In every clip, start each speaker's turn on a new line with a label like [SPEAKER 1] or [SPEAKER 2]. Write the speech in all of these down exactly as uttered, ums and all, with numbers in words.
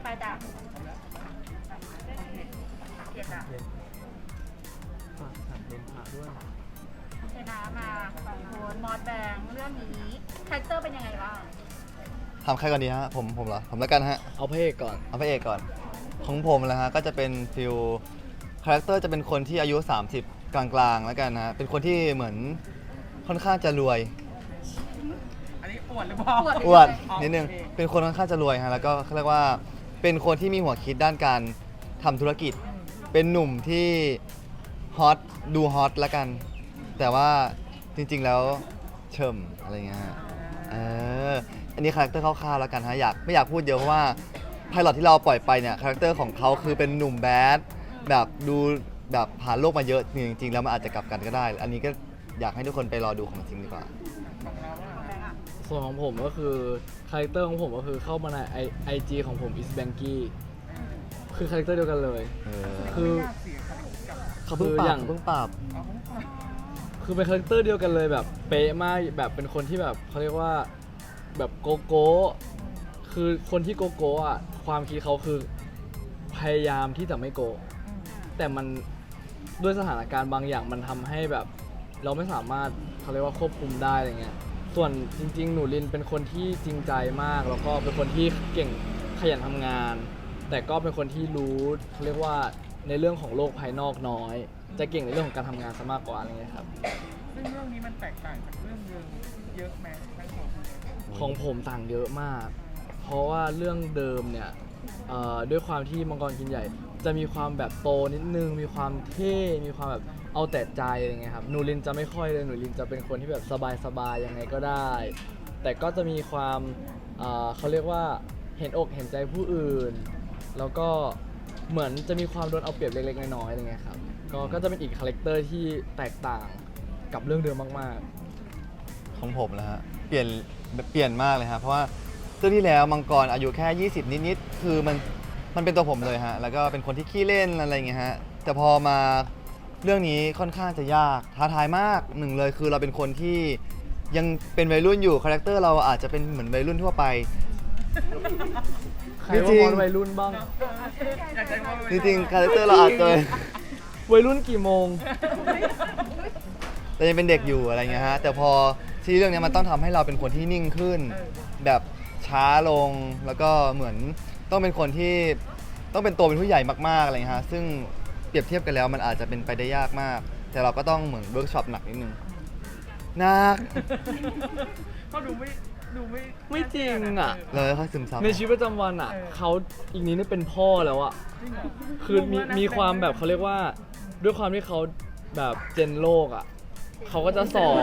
[SPEAKER 1] จ้ะเกียรติอ่ะ
[SPEAKER 2] ฝากฝากเลนพาด้วย
[SPEAKER 1] ชนะมาสองคนมอสแบงค์เรื่องนี้คาแรคเตอร์เป็นยังไงบ้าง
[SPEAKER 3] ถามใครก่อนดีฮะผมผมเหรอผมแล้วกันฮะ
[SPEAKER 2] เอาพระเอกก่อน
[SPEAKER 3] เอาพระเอกก่อนของผมนะฮะก็จะเป็นฟิลคาแรคเตอร์จะเป็นคนที่อายุสามสิบกลางๆแล้วกันนะฮะเป็นคนที่เหมือนค่อนข้างจะรวย
[SPEAKER 4] อันนี้อวดหรือเปล่า
[SPEAKER 3] อวด
[SPEAKER 4] อ๋อ
[SPEAKER 3] นิดนึง
[SPEAKER 4] โอเค
[SPEAKER 3] เป็นคนค่อนข้างจะรวยฮะแล้วก็เขาเรียกว่าเป็นคนที่มีหัวคิดด้านการทำธุรกิจ เป็นหนุ่มที่ฮอตดูฮอตแล้วกัน แต่ว่าจริงๆแล้วเฉิมอะไรเงี้ยฮะเอออันนี้คาแรคเตอร์คร่าวๆแล้วกันฮะอยากไม่อยากพูดเยอะเพราะว่าไพลอตที่เราปล่อยไปเนี่ยคาแรคเตอร์ของเขาคือเป็นหนุ่มแบดแบบดูแบบผ่านโลกมาเยอะจริงๆแล้วมันอาจจะกลับกันก็ได้ อันนี้ก็อยากให้ทุกคนไปรอดูของจริงดีกว่า
[SPEAKER 4] ของเราอะ
[SPEAKER 1] แบงค์อ่ะ
[SPEAKER 2] ส่วนของผมก็คือคาแรคเตอร์ของผมก็คือเข้ามาในไอไอจีของผม is banky คือคาแรคเตอร์เดียวกันเลย
[SPEAKER 3] เออ
[SPEAKER 2] คือ
[SPEAKER 4] ยากเสียคาแรคเตอร์กับ
[SPEAKER 3] เขาเพิ่งป
[SPEAKER 2] คืออ
[SPEAKER 3] รั
[SPEAKER 2] ย่า
[SPEAKER 3] บ
[SPEAKER 2] ง
[SPEAKER 3] เพิ่งปรับ
[SPEAKER 4] อ๋อ
[SPEAKER 2] คือเป็นคาแรคเตอร์เดียวกันเลยแบบเป๊ะมากแบบเป็นคนที่แบบเขาเรียกว่าแบบโกโก้คือคนที่โกโก้อะความคิดเขาคือพยายามที่จะไม่โกะแต่มันด้วยสถานการณ์บางอย่างมันทำให้แบบ เราไม่สามารถเขาเรียกว่าควบคุมได้อะไรเงี้ยส่วนจริงๆหนูลินเป็นคนที่จริงใจมาก แล้วก็เป็นคนที่เก่งขยันทำงาน แต่ก็เป็นคนที่รู้เขาเรียกว่าในเรื่องของโลกภายนอกน้อย จะเก่งในเรื่องของการทำงานซะมากกว่าอะไรเงี้ยครับ
[SPEAKER 4] ซึ่งเรื่องนี้มันแตกต่างจากเรื่องเดิมเยอะไหมทั้งสองคนเลย
[SPEAKER 2] ของผมต่างเยอะมาก เพราะว่าเรื่องเดิมเนี่ยเอ่อด้วยความที่มังกรกินใหญ่ จะมีความแบบโตนิดนึง มีความเท่ มีความแบบเอาแต่ใจอะไรเงี้ยครับ หนูลินจะไม่ค่อยเลย หนูลินจะเป็นคนที่แบบสบายๆยังไงก็ได้ แต่ก็จะมีความเอ่อเขาเรียกว่าเห็นอกเห็นใจผู้อื่น แล้วก็เหมือนจะมีความโดนเอาเปรียบเล็กๆน้อยๆอะไรเงี้ยครับ ก็ก็จะเป็นอีกคาแรคเตอร์ที่แตกต่างกับเรื่องเดิมมากๆ
[SPEAKER 3] ของผมนะฮะเปลี่ยนเปลี่ยนมากเลยฮะเพราะว่าเรื่องที่แล้วมังกรอายุแค่ยี่สิบนิดๆคือมันมันเป็นตัวผมเลยฮะแล้วก็เป็นคนที่ขี้เล่นอะไรอย่างเงี้ยฮะแต่พอมาเรื่องนี้ค่อนข้างจะยากท้าทายมากหนึ่งเลยคือเราเป็นคนที่ยังเป็นวัยรุ่นอยู่คาแรคเตอร์เราอาจจะเป็นเหมือนวัยรุ่นทั่วไป
[SPEAKER 2] ใคร
[SPEAKER 3] จริ
[SPEAKER 2] ว่าง มอนวัยรุ่นบ้าง
[SPEAKER 4] อยากใช้ว่า
[SPEAKER 3] จริงๆคาแรคเตอร์เราอาจจะ
[SPEAKER 2] วัยรุ่นกี่โมง
[SPEAKER 3] เรายังเป็นเด็กอยู่อะไรเงี้ยฮะแต่พอที่เรื่องนี้มันต้องทำให้เราเป็นคนที่นิ่งขึ้น แบบช้าลงแล้วก็เหมือนต้องเป็นคนที่ต้องเป็นตัวเป็นผู้ใหญ่มากๆอะไรเงี้ยฮะซึ่งเปรียบเทียบกันแล้วมันอาจจะเป็นไปได้ยากมาก แต่เราก็ต้องเหมือนเวิร์กช็อปหนักนิดนึงหนัก
[SPEAKER 4] ก็ดูไม่ดูไม่
[SPEAKER 2] ไม่จริงอะ
[SPEAKER 3] เลยค่อยซึมซับ
[SPEAKER 2] ในชีวิตประจำวันอ่ะ
[SPEAKER 4] เออ
[SPEAKER 2] เขาอีกนี้นี่เป็นพ่อแล้วอ่ะ
[SPEAKER 4] จริงเหรอ
[SPEAKER 2] คือมี
[SPEAKER 4] งงนะ
[SPEAKER 2] มีความแบบเขาเรียกว่า ด้วยความที่เขาแบบเจนโลกอ่ะเขาก็จะสอน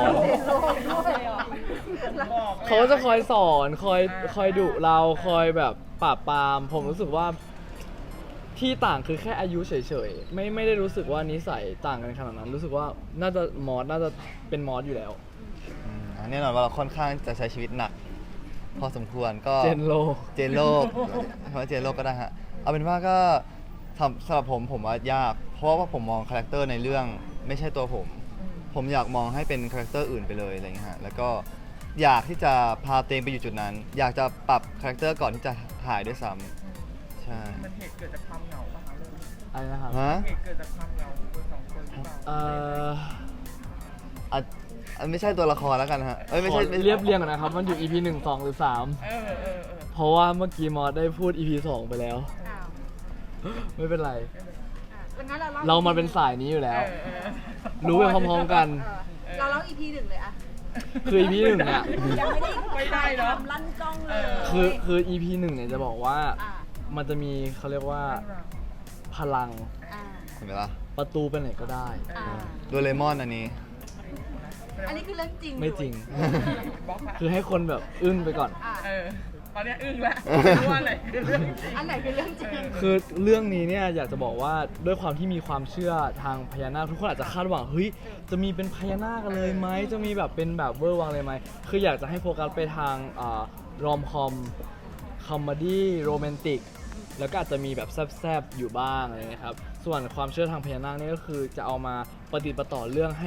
[SPEAKER 4] บอกลย
[SPEAKER 2] เขาก็จะคอยสอนคอย
[SPEAKER 4] อ่า
[SPEAKER 2] คอยดุเราคอยแบบปราบปราม ผมรู้สึกว่าที่ต่างคือแค่อายุเฉยๆไม่ไม่ได้รู้สึกว่านิสัยต่างกันขนาดนั้น รู้สึกว่าน่าจะมอสน่าจะเป็นมอสอยู่แล้ว
[SPEAKER 3] อืมแน่นอนว่าเราค่อนข้างจะใช้ชีวิตหนัก พอสมควรก็
[SPEAKER 2] เจนโล
[SPEAKER 3] เจนโลกคำว่าเจนโลกก็ได้ฮะ เอาเป็นว่าก็สำสำหรับผมผมว่ายาก เพราะว่าผมมองคาแรคเตอร์ในเรื่องไม่ใช่ตัวผม ผมอยากมองให้เป็นคาแรคเตอร์อื่นไปเลยอะไรเงี้ยฮะ แล้วก็อยากที่จะพาตัวเองไปอยู่จุดนั้น อยากจะปรับคาแรคเตอร์ก่อนที่จะถ่ายด้วยซ้ำใช่
[SPEAKER 4] มันเหตุเกิดจากความเหงาป่ะคะเรื่องนี้
[SPEAKER 2] อะไรนะครับ
[SPEAKER 3] ฮะ
[SPEAKER 4] เหตุเกิดจากความเหงาของคนสองคนหรือเปล่า
[SPEAKER 2] เอ่อ
[SPEAKER 3] อ่ะอ่ะไม่ใช่ตัวละครแล้วกันฮะ เอ้ยไม่
[SPEAKER 2] ข
[SPEAKER 3] ใช่
[SPEAKER 2] อ
[SPEAKER 3] ไม่ใช่
[SPEAKER 2] เรียบเรียงก่อนนะครับ มันอยู่ อี พี หนึ่ง สอง หรือ สาม
[SPEAKER 4] เออเออเออ
[SPEAKER 2] เพราะว่าเมื่อกี้มอสได้พูด อี พี สอง ไปแล้ว
[SPEAKER 1] อ้าว
[SPEAKER 2] ไม่เป็นไร
[SPEAKER 1] อ่ะแล้วงั้นเรา
[SPEAKER 2] เรามาเป็นสายนี้อยู่
[SPEAKER 4] เอ
[SPEAKER 2] แล้ว
[SPEAKER 4] อเออ
[SPEAKER 2] รู้ไปพร้อมๆกัน
[SPEAKER 1] เออเราเล่า อี พี หนึ่งเลยอะ
[SPEAKER 2] คือ อี พี หนึ่งเนี่ย
[SPEAKER 1] ยังไม่ได้
[SPEAKER 4] ไม่ได้เนาะ
[SPEAKER 1] ทำลั่นกล้องเล
[SPEAKER 4] เอย อ
[SPEAKER 2] คือคือ อี พี หนึ่งเนี่ยจะบอกว่า
[SPEAKER 1] อ่า
[SPEAKER 2] มันจะมีเขาเรียกว่าพลัง
[SPEAKER 1] อ่า
[SPEAKER 3] เห็นไหมล่ะ
[SPEAKER 2] ประตูไปไหนก็ได้
[SPEAKER 1] อ่า
[SPEAKER 3] โดเรมอนอันนี้
[SPEAKER 1] อันนี้คือเรื่องจริง
[SPEAKER 2] ไม่จริง
[SPEAKER 4] บล็อกละ
[SPEAKER 2] คือให้คนแบบอึ้งไปก่อน
[SPEAKER 1] อ่า
[SPEAKER 4] เออ ตอนเนี้ยอึ้งแล้วไม่รู้ว่าอะไรคือเรื่องจริง
[SPEAKER 1] อันไหนคือเรื่องจริง
[SPEAKER 2] คือเรื่องนี้เนี่ยอยากจะบอกว่าด้วยความที่มีความเชื่อทางพญานาคทุกคนอาจจะคาดหวังเฮ้ยจะมีเป็นพญานาคกันเลยไหมจะมีแบบเป็นแบบเวอร์วังเลยไหมคืออยากจะให้โฟกัสไปทางอ่ารอมคอมคอมเมดี้โรแมนติกแล้วก็อาจจะมีแบบแซบๆอยู่บ้างอะไรเงี้ยครับส่วนความเชื่อทางพญานาคเนี่ยก็คือจะเอามาปฏิดประต่อเรื่องให้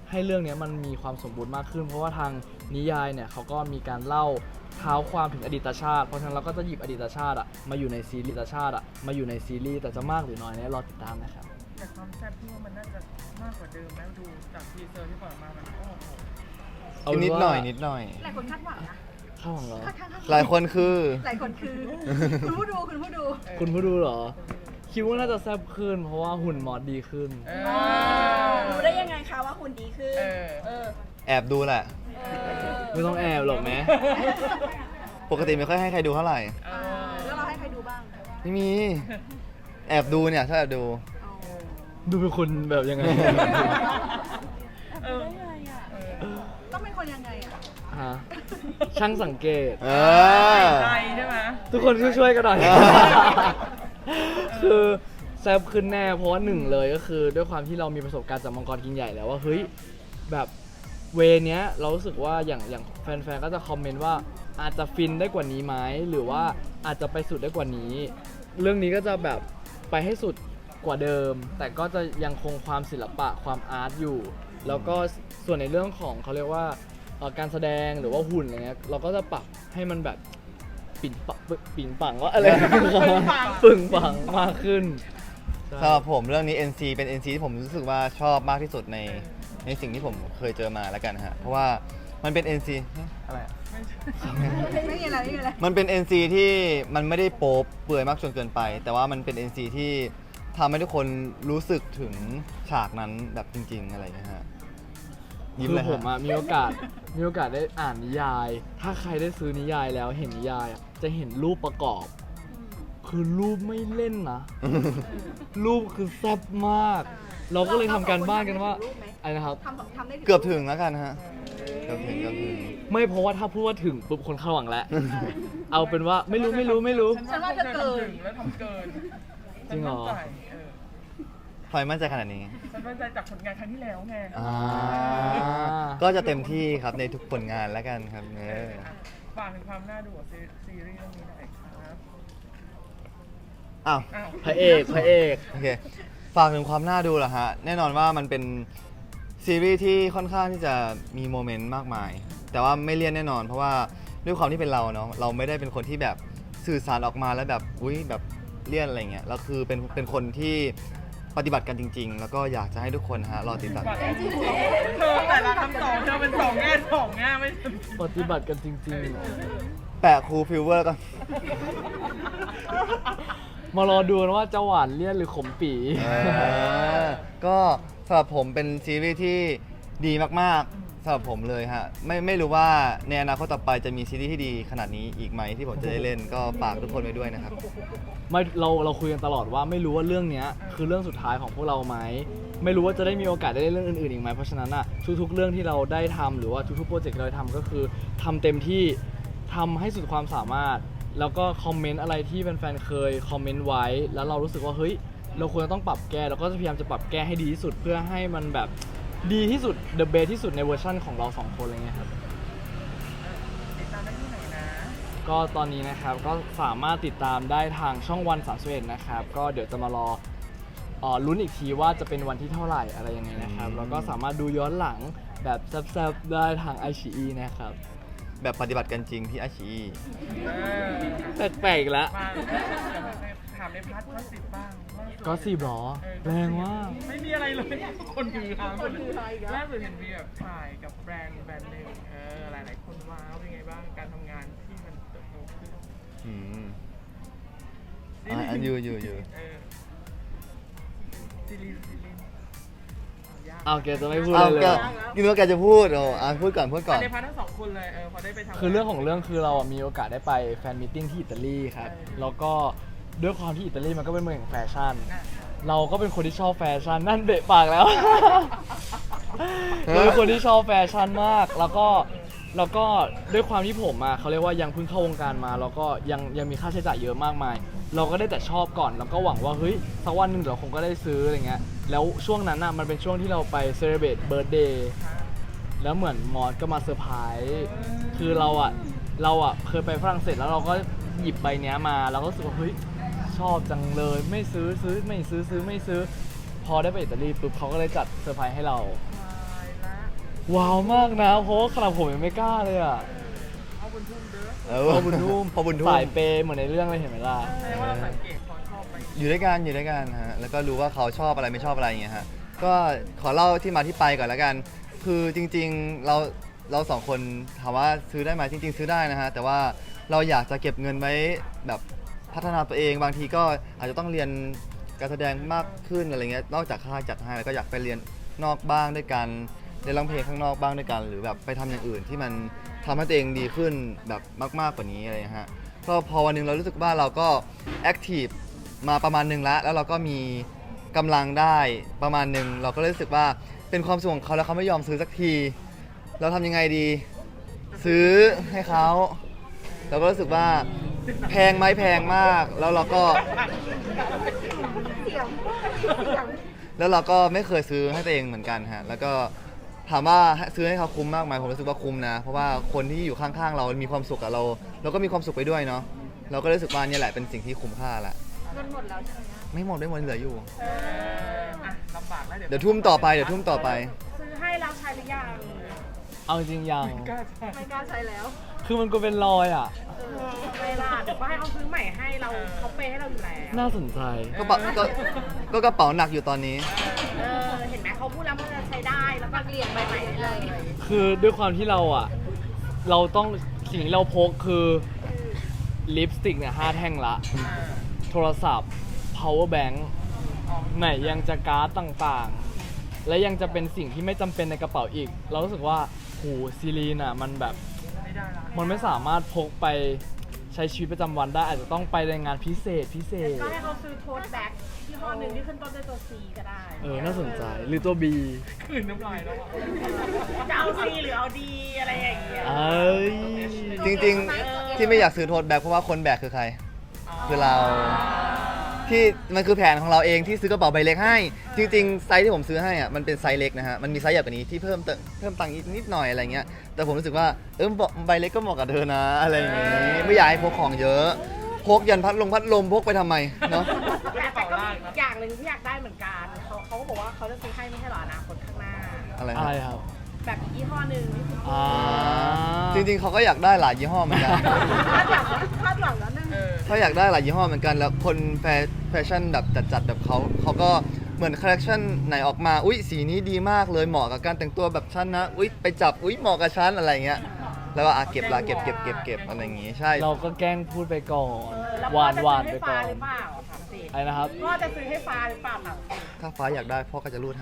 [SPEAKER 2] ให้เรื่องเนี้ยมันมีความสมบูรณ์มากขึ้น เพราะว่าทางนิยายเนี่ยเขาก็มีการเล่าเท้าความถึงอดีตชาติ เพราะฉะนั้นเราก็จะหยิบอดีตชาติอะมาอยู่ในซีรีส์อดีตชาติอะมาอยู่ในซีรีส์แต่จะมากหรือน้อยเนี่ยรอติดตามนะครับ
[SPEAKER 4] แต่ความแซ่บที่ว่ามันน่าจะมากกว่าเดิมแล้วดูจากทีเซอร์ที่ปล่อยมามันโอ้โห
[SPEAKER 2] เอาเป็น
[SPEAKER 3] นิด
[SPEAKER 2] ว่า
[SPEAKER 3] หน่อยนิดหน่อย
[SPEAKER 1] หลายคนคาดหวังนะ
[SPEAKER 2] ข้าวของเหรอ
[SPEAKER 1] ค่อนข้างคาดหวัง
[SPEAKER 3] หลายคนคือ
[SPEAKER 1] หลายคนคือ คุณผู้ดูคุณผู้ดู
[SPEAKER 2] คุณผู้ดูเหรอ คิดว่าน่าจะแซ่บขึ้น เพราะว่าหุ่นมอสดีขึ้น
[SPEAKER 4] เอ
[SPEAKER 5] รู้ได้ยังไงคะว่าหุ่นดีขึ้น
[SPEAKER 4] เออ
[SPEAKER 5] เออ
[SPEAKER 3] แอบดูแหละ
[SPEAKER 2] ไม่ต้องแอบหรอกแม้
[SPEAKER 3] ปกติไม่ค่อยให้ใครดูเท่าไหร่
[SPEAKER 4] เออ
[SPEAKER 1] แล้วเราให้ใครดูบ้าง
[SPEAKER 3] ไม่มี แอบดูเนี่ยชอบแอบดู
[SPEAKER 2] ดูเป็นคนแบบยังไง
[SPEAKER 4] เออ
[SPEAKER 1] ต้องเป็นคนยังไงอ่ะ
[SPEAKER 2] ฮะ ช่างสังเกต
[SPEAKER 3] เออ
[SPEAKER 4] ใจใช่ไหม
[SPEAKER 2] ทุกคนช่วยๆกันหน่อย
[SPEAKER 3] เออ
[SPEAKER 2] คือแซ่บขึ้นแน่ เพราะว่าหนึ่งเลยก็คือด้วยความที่เรามีประสบการณ์จากมังกรกินใหญ่แล้วว่าเฮ้ยแบบเวเนี้ยเรารู้สึกว่าอย่างอย่างแฟนๆก็จะคอมเมนต์ว่าอาจจะฟินได้กว่านี้ไหมหรือว่าอาจจะไปสุดได้กว่านี้ เรื่องนี้ก็จะแบบไปให้สุดกว่าเดิม แต่ก็จะยังคงความศิลปะความอาร์ตอยู่ แล้วก็ส่วนในเรื่องของเขาเรียกว่าเอ่อการแสดงหรือว่าหุ่นอะไรเงี้ยเราก็จะปรับให้มันแบบปิ่นปังปิ่นปังว่าอะไร ปึ่งปังมากขึ้น
[SPEAKER 3] สำหรับผมเรื่องนี้ เอ็น ซี เป็น เอ็น ซี ที่ผมรู้สึกว่าชอบมากที่สุดในในสิ่งที่ผมเคยเจอมาแล้วกันฮะ เพราะว่ามันเป็น เอ็น ซี อะไรอะ
[SPEAKER 1] ไม่มีอะไรไม่มีอะไร
[SPEAKER 3] มันเป็น เอ็น ซี ที่มันไม่ได้โป๊เปลือยมากจนเกินไป แต่ว่ามันเป็น เอ็น ซี ที่ทำให้ทุกคนรู้สึกถึงฉากนั้นแบบจริง ๆ อะไรอย่างเงี้ยฮะยิ้ม
[SPEAKER 2] คื
[SPEAKER 3] เล
[SPEAKER 2] อย ผม
[SPEAKER 3] ฮะ
[SPEAKER 2] อะมีโอกาสมีโอกาสได้อ่านนิยาย ถ้าใครได้ซื้อนิยายแล้วเห็นนิยายอะจะเห็นรูปประกอบ คือรูปไม่เล่นนะ รูปคือแซ่บมาก เราก็เลยทำการบ้านกันว่าอะไรนะครับ
[SPEAKER 1] ทำทำได้ถึง
[SPEAKER 3] เกือบถึงแล้วกันฮะ เกือบถึงเกือบถึง
[SPEAKER 2] ไม่เพราะว่าถ้าพูดว่าถึงปุ๊บคนเข้าหวังแล้ว เอาเป็นว่าไม่รู้ไม่รู้ไม่รู้
[SPEAKER 1] ฉันว่าจะเกิน
[SPEAKER 4] ฉัแล้วทำเกิน
[SPEAKER 2] จริงเหรอ
[SPEAKER 4] ฉันมั่นใจเออ
[SPEAKER 3] ทำไมมั่นใจขนาดนี้
[SPEAKER 4] ฉันมั่นใจจากผลงานครั้งที่แล้วไง
[SPEAKER 3] อ่า ก็จะเต็มที่ครับในทุกผลงานแล้วกันครับเออ
[SPEAKER 4] อ่ะฝากถึงความน่าดูของซีซีรีส์เรื่องนี้หน่อยครับ
[SPEAKER 3] อ้าว
[SPEAKER 4] อ้าว
[SPEAKER 2] พระเอกพระเอก
[SPEAKER 3] โอเค ฝากถึงความน่าดูเหรอฮะ แน่นอนว่ามันเป็นซีรีส์ที่ค่อนข้างที่จะมีโมเมนต์มากมาย แต่ว่าไม่เลี่ยนแน่นอน เพราะว่าด้วยความที่เป็นเราเนาะ เราไม่ได้เป็นคนที่แบบสื่อสารออกมาแล้วแบบ อุ้ยแบบเลี่ยนอะไรเงี้ย เราคือเป็นเป็นคนที่ปฏิบัติกันจริง ๆ แล้วก็อยากจะให้ทุกคนฮะรอติดตาม
[SPEAKER 4] เธอแต่ละคำตอบเธอเป็นสองแง่สองแง่ไม่
[SPEAKER 2] ปฏิบัติกันจริงๆเหรอ
[SPEAKER 3] แปะครูฟิวเวอร์ก็
[SPEAKER 2] มารอดูกันว่าจะหวานเลี่ยนหรือขมปี
[SPEAKER 3] เออก็สำหรับผมเป็นซีรีส์ที่ดีมากๆสำหรับผมเลยฮะไม่ไม่รู้ว่าในอนาคตต่อไปจะมีซีรีส์ที่ดีขนาดนี้อีกไหมที่ผมจะได้เล่นก็ฝากทุกคนไว้ด้วยนะครับ
[SPEAKER 2] ไม่เราเราคุยกันตลอดว่าไม่รู้ว่าเรื่องเนี้ยคือเรื่องสุดท้ายของพวกเราไหมไม่รู้ว่าจะได้มีโอกาสได้เล่นเรื่องอื่นๆอีกไหมเพราะฉะนั้นอ่ะทุกๆเรื่องที่เราได้ทำหรือว่าทุกๆโปรเจกต์ที่เราทำก็คือทำเต็มที่ทำให้สุดความสามารถ แล้วก็คอมเมนต์อะไรที่แฟนๆเคยคอมเมนต์ไว้ แล้วเรารู้สึกว่าเฮ้ยเราควรจะต้องปรับแก้เราก็จะพยายามจะปรับแก้ให้ดีที่สุดเพื่อให้มันแบบดีที่สุด the best ที่สุดในเวอร์ชั่นของเราสองคนอะไรเงี้ยครับ
[SPEAKER 4] ติดตามได้ที่ไหนนะ
[SPEAKER 2] ก็ตอนนี้นะครับก็สามารถติดตามได้ทางช่องวันสามสิบเอ็ดนะครับก็เดี๋ยวจะมารอเอ่อลุ้นอีกทีว่าจะเป็นวันที่เท่าไหร่อะไรยังไงนะครับแล้วก็สามารถดูย้อนหลังแบบแซ่บๆได้ทาง ไอ ซี อี นะครับ
[SPEAKER 3] แบบปฏิบัติกันจริงที่อาชี
[SPEAKER 4] เออ
[SPEAKER 2] แปลกๆอีกแล้ว
[SPEAKER 4] มาถามในพาร์ทก็สิบบ้างว่า
[SPEAKER 2] ก็สิบหรอแรงมาก
[SPEAKER 4] ไม่มีอะไรเลย คนคือฮาคนคือฮาอีกแล้วล่าสุดเห็นมีแบบถ่ายกับแบรนด์แบรนด์หนึ่งเออหลายๆคนว้าวเป็นไงบ้างการทำงานที่มันเติบโตขึ้น
[SPEAKER 3] อืมอ่ะอันอยู่อยู่อยู่
[SPEAKER 4] เออซีรีส์ซีรีส์ยาก
[SPEAKER 2] เอาแกจะไม่พูด
[SPEAKER 3] เอา
[SPEAKER 2] เลย
[SPEAKER 3] แก
[SPEAKER 2] เลย
[SPEAKER 3] กินว่าแกจะพูดโอ้อ่ะพูดก่อนพูดก่อน
[SPEAKER 4] ในพาร์ททั้งสองคนเลยเออพอได้ไปทำ
[SPEAKER 2] คือเรื่องของเรื่องคือเรามีโอกาสได้ไปแฟนมิทติ้งที่อิตาลีครับแล้วก็ด้วยความที่อิตาลีมันก็เป็นเมืองแห่งแฟชั่น
[SPEAKER 4] อ่ะ
[SPEAKER 2] เราก็เป็นคนที่ชอบแฟชั่นนั่นเบะปากแล้ว เราเป็นคนที่ชอบแฟชั่นมาก แล้วก็แล้วก็ด้วยความที่ผมอ่ะเขาเรียกว่ายังเพิ่งเข้าวงการมาแล้วก็ยังยังมีค่าใช้จ่ายเยอะมากมาย เราก็ได้แต่ชอบก่อนแล้วก็หวังว่าเฮ้ยสักวันหนึ่งเดี๋ยวคงก็ได้ซื้ออะไรเงี้ยแล้วช่วงนั้นอ่ะมันเป็นช่วงที่เราไปเซเลบรตเบิร์ธเดย์แล้วเหมือนมอสก็มาเซอร์ไพรส์คือเราอ่ะเราอ่ะเคยไปฝรั่งเศสแล้วเราก็หยิบใบเนี้ยมาเราก็รู้สึกว่าเฮ้ยชอบจังเลยไม่ซื้อซื้อไม่ซื้อซื้อไม่ซื้อพอได้ไปอิตาลีปุ๊บเขาก็เลยจัดเซอร์ไพรส์ให้เรา
[SPEAKER 4] ตายละ
[SPEAKER 2] ว้าวมากนะเพราะว่าขนาดผมยังไม่กล้าเลยอ่ะ
[SPEAKER 4] เอาบนทุ่มเด้อ
[SPEAKER 3] เออ
[SPEAKER 2] พอบุญทุ่ม
[SPEAKER 3] พอบุญทุ่ม
[SPEAKER 2] สายเปย์เหมือนในเรื่องเลยเห็นไหมล่ะ
[SPEAKER 4] แสดงว่าเราสังเกตความชอบไป
[SPEAKER 3] อยู่ด้วยกันอยู่ด้วยกันฮะแล้วก็รู้ว่าเขาชอบอะไรไม่ชอบอะไรอย่างเงี้ยฮะก็ขอเล่าที่มาที่ไปก่อนแล้วกัน คือจริงๆเราเราสองคนถามว่าซื้อได้ไหมจริง ๆ ซื้อได้นะฮะแต่ว่าเราอยากจะเก็บเงินไว้แบบพัฒนาตัวเองบางทีก็อาจจะต้องเรียนการแสดงมากขึ้นอะไรเงี้ยนอกจากค่าจัดให้แล้วก็อยากไปเรียนนอกบ้างด้วยกันเรียนร้องเพลงข้างนอกบ้างด้วยกัน หรือแบบไปทำอย่างอื่นที่มันทำให้ตัวเองดีขึ้นแบบมากๆกว่านี้อะไรเงี้ยฮะก็พอวันหนึงเรารู้สึกว่าเราก็แอคทีฟมาประมาณหนึ่งแล้วแล้วเราก็มีกำลังได้ประมาณหนึ่งเราก็เลยรู้สึกว่าเป็นความสุขของเขาแล้วเขาไม่ยอมซื้อสักที เราทำยังไงดี ซื้อให้เขาเราก็รู้สึกว่าแพงไหมแพงมาก แล้วเราก็แล้วเราก็ไม่เคยซื้อให้ตัวเองเหมือนกันฮะแล้วก็ถามว่าซื้อให้เขาคุ้มมากไหมผมรู้สึกว่าคุ้มนะ เพราะว่าคนที่อยู่ข้างๆเรามีความสุขกับเรา เราก็มีความสุขไปด้วยเนาะเราก็รู้สึกว่านี่แหละเป็นสิ่งที่คุ้มค่าละ
[SPEAKER 1] เงินหมดแล้วใช่ไหม
[SPEAKER 3] ไม่หมดไม่หมดเหลืออยู่
[SPEAKER 4] เอออ่ะลำบากแล้ว
[SPEAKER 3] เดี๋ยวทุ่มต่อไปเดี๋ยวทุ่มต่อไป
[SPEAKER 1] ซื้อให้เราใช้หรือยัง
[SPEAKER 2] เอาจริงยัง
[SPEAKER 4] กล้าใช่
[SPEAKER 1] ไม่กล้าใช้แล้ว
[SPEAKER 2] คือมันก็เป็นรอยอ่ะ
[SPEAKER 1] เออทำไมล่ะเดี๋ยวก็ให้เขาซื้อใหม่ให้เราเขาเปย์ให้เราอยู่แล้ว
[SPEAKER 2] น่าสนใจ
[SPEAKER 3] ก็ปะก็ก็กระเป๋าหนักอยู่ตอนนี้
[SPEAKER 1] เออเห็นไหมเขาพูดแล้วมันจะใช้ได้แล้วก็เปลี่ยนใบใหม่ได้เลย
[SPEAKER 2] คือด้วยความที่เราอ่ะ เราต้องสิ่งที่เราพกคือลิปสติกเนี่ยห้าแท่งละ
[SPEAKER 4] อ่า
[SPEAKER 2] โทรศัพท์ power bank
[SPEAKER 4] อ๋อ
[SPEAKER 2] ไหนยังจะการ์ดต่างๆ และยังจะเป็นสิ่งที่ไม่จำเป็นในกระเป๋าอีก เรารู้สึกว่าโหซีรีนอ่ะมันแบบ
[SPEAKER 4] ไม่ได้ละ
[SPEAKER 2] มันไม่สามารถพกไปใช้ชีวิตประจำวันได้อาจจะต้องไปในงานพิเศษพิเศษ
[SPEAKER 1] ก็ให้เขาซื้อโทสแบ็กที่ห้อหนึ่งที่ขึ้นต้นด้วยตัว C ก็ได้
[SPEAKER 2] เออ น่าสนใจ หรือตัว B
[SPEAKER 4] คืนน้ำลายแล้วอ่ะ
[SPEAKER 1] จะเอา C หรือเอา D อะไรอย่างเงี้ย
[SPEAKER 2] เอ้ย
[SPEAKER 3] จริงๆ ที่ไม่อยากซื้อโทษแบกเพราะว่าคนแบกคือใคร คือเราที่มันคือแผนของเราเองที่ซื้อกระเป๋าใบเล็กให้ จริงๆ ไซส์ที่ผมซื้อให้อ่ะมันเป็นไซส์เล็กนะฮะมันมีไซส์ใหญ่กว่านี้ที่เพิ่มเติมเพิ่มตังค์อีกนิดหน่อยอะไรเงี้ยแต่ผมรู้สึกว่าเออใบเล็กก็เหมาะกับเธอนะอะไรอย่างงี้ไม่อยากให้พกของเยอะพกยันพัดลมพัดลมพกไปทำไมเนาะ
[SPEAKER 1] แต่แต่ก็มีอีกอย่างหนึ่งที่อยากได้เหมือนกันเขาเขาก็บอกว่าเขาจะซื้อให้ไม่ใช่เหรออนาคตข้างหน้า
[SPEAKER 3] อะไร
[SPEAKER 2] อะไร
[SPEAKER 3] ฮะ
[SPEAKER 2] ครับ
[SPEAKER 1] แบบอีกยี่ห้อหนึ่งที่คุณ
[SPEAKER 2] อ่า
[SPEAKER 3] จริงๆเขาก็อยากได้หลายยี่ห้อเหมือนกัน
[SPEAKER 1] คาดหวังคาดหวังแล้วนึง
[SPEAKER 4] เออ
[SPEAKER 3] เขาอยากได้หลายยี่ห้อเหมือนกันแล้วคนแฟแฟชั่นแบบจัดๆแบบเขาเขาก็เหมือนคอลเลคชันไหนออกมาอุ้ยสีนี้ดีมากเลยเหมาะกับการแต่งตัวแบบฉันนะอุ้ยไปจับอุ้ยเหมาะกับฉันอะไรเงี้ยแล้วก็อ่ะเก็บละเก็บเก็บเก็บเก็บอะไรอย่างงี้ใช่
[SPEAKER 2] เราก็แกล้งพูดไปก่อน
[SPEAKER 1] เออแล้ว
[SPEAKER 2] ห
[SPEAKER 1] พ่อ
[SPEAKER 2] วาน
[SPEAKER 1] จะ
[SPEAKER 2] หวาน
[SPEAKER 1] ซื้อ
[SPEAKER 2] ไป
[SPEAKER 1] ให้
[SPEAKER 2] ก่
[SPEAKER 1] ฟ้า
[SPEAKER 2] อน
[SPEAKER 1] หรือเปล่าถามสิ
[SPEAKER 2] ไอ้นะครับ
[SPEAKER 1] พ่อจะซื้อให้ฟ้าหรือเปล่าถามสิ
[SPEAKER 3] ถ้าฟ้าอยากได้พ่อก็จะรูดให้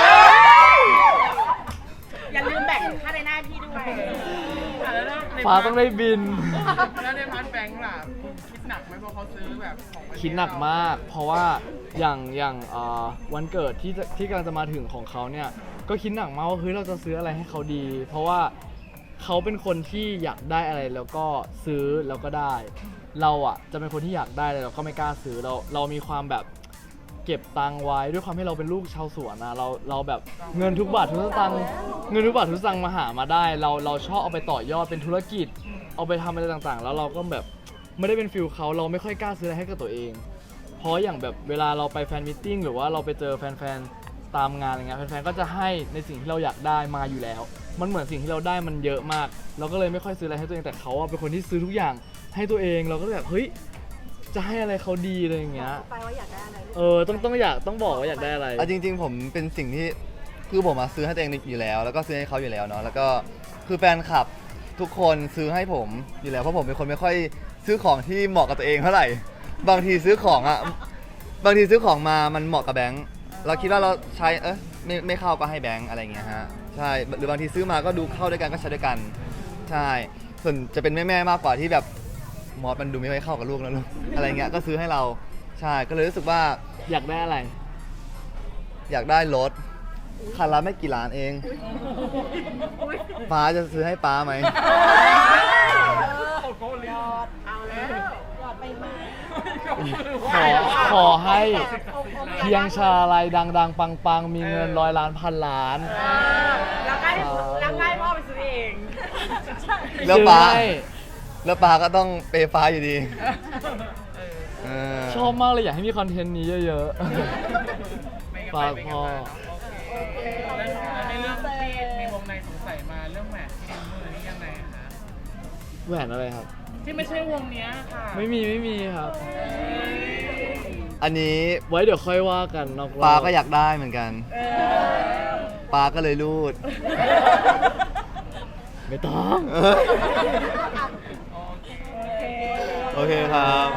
[SPEAKER 1] อย่าลืมแบ่งค่าในหน้าพี่ด้วย
[SPEAKER 4] อ่ะแล้วใน
[SPEAKER 2] ฟ้าต้องได้บิน
[SPEAKER 4] แล้วในพาร์ทแบงค์ล่ะคิดหนักไหมเพราะเขาซื้อแบบของประเทศ
[SPEAKER 2] คิดหนักมาก เพราะว่าอย่างอย่างเอ่อวันเกิดที่จะที่กำลังจะมาถึงของเขาเนี่ย ก็คิดหนักมากว่าเฮ้ยเราจะซื้ออะไรให้เขาดี เพราะว่าเขาเป็นคนที่อยากได้อะไรแล้วก็ซื้อแล้วก็ได้ เราอ่ะจะเป็นคนที่อยากได้เลยเราก็ไม่กล้าซื้อเราเรามีความแบบเก็บตังค์ไว้ด้วยความที่เราเป็นลูกชาวสวนนะเราเราแบบเงินทุกบาททุกสตางค์เงินทุกบาททุกสตางค์มาหามาได้ เราเราชอบเอาไปต่อยอดเป็นธุรกิจ เอาไปทำอะไรต่างๆ แล้วเราก็แบบไม่ได้เป็นฟิลเขาเราไม่ค่อยกล้าซื้ออะไรให้กับตัวเอง เพราะอย่างแบบเวลาเราไปแฟนมิทติ้งหรือว่าเราไปเจอแฟนๆตามงานอะไรเงี้ยแฟนๆก็จะให้ในสิ่งที่เราอยากได้มาอยู่แล้ว มันเหมือนสิ่งที่เราได้มันเยอะมาก เราก็เลยไม่ค่อยซื้ออะไรให้ตัวเองแต่เขาอะเป็นคนที่ซื้อทุกอย่างให้ตัวเองเราก็เลยแบบเฮ้ยจะให้อะไรเขาดีอะไรอย่างเงี้ย
[SPEAKER 5] ไปว่าอยากได้อะไรลูก
[SPEAKER 2] เออต้องต้องอยากต้องบอกว่าอยากได้อะไร
[SPEAKER 3] เอาจริง ๆ ผมเป็นสิ่งที่คือผมมาซื้อให้ตัวเองอยู่แล้ว แล้วก็ซื้อให้เขาอยู่แล้วเนาะแล้วก็คือแฟนคลับทุกคนซื้อให้ผมอยู่แล้วเพราะผมเป็นคนไม่ค่อยซื้อของที่เหมาะกับตัวเองเท่าไหร่บางทีซื้อของอ่ะบางทีซื้อของมามันเหมาะกับแบงค์เราคิดว่าเราใช้เออไม่ไม่เข้าก็ให้แบงค์อะไรอย่างเงี้ยฮะใช่หรือบางทีซื้อมาก็ดูเข้าด้วยกันก็ใช้ด้วยกันใช่ส่วนจะเป็นแม่ๆมากกว่าที่แบบมอสมันดูไม่ค่อยเข้ากับลูกนะลูกอะไรเงี้ยก็ซื้อให้เราใช่ก็เลยรู้สึกว่า
[SPEAKER 2] อยากได้อะไร
[SPEAKER 3] อยากได้รถคันละไม่กี่ล้านเอง ป้าจะซื้อให้ป้าไหม
[SPEAKER 4] โอ้โหเลย
[SPEAKER 1] เอาแล้ว
[SPEAKER 5] หลอดใบไม้
[SPEAKER 2] ขอขอให้เพียงชาลัยดังๆ ปังๆ มีเงินร้อยล้านพันล้าน
[SPEAKER 1] แล้วก็ให้แล้วก็ให้พ่อไปซื้อเอง
[SPEAKER 3] แล้วป้า
[SPEAKER 2] ซื้อให้
[SPEAKER 3] แล้วป้าก็ต้องเปย์ฟ้าอยู่ดีเออ
[SPEAKER 2] ชอบมากเลยอยากให้มีคอนเทนต์นี้เยอะ
[SPEAKER 4] ไม่
[SPEAKER 2] ๆ
[SPEAKER 4] งั้น
[SPEAKER 2] ฝาก
[SPEAKER 4] ไปไม่
[SPEAKER 2] พ่อ
[SPEAKER 4] งั้นไปเนาะโอเคแล้วในเรื่องที่มีวงในสงเรื่องแหวนที่นิ้วมือนี่ยังไงคะ
[SPEAKER 2] แหวนอะไรครับ
[SPEAKER 4] ที่ไม่ใช่วงเนี้ยค่ะ
[SPEAKER 2] ไม่มีไม่มีครับ
[SPEAKER 3] อันนี้
[SPEAKER 2] ไว้เดี๋ยวค่อยว่ากันนอกรอบ
[SPEAKER 3] ปาก็อยากได้เหมือนกันปาก็เลยรูด
[SPEAKER 2] ไม่ต้อง
[SPEAKER 3] โอเคครับ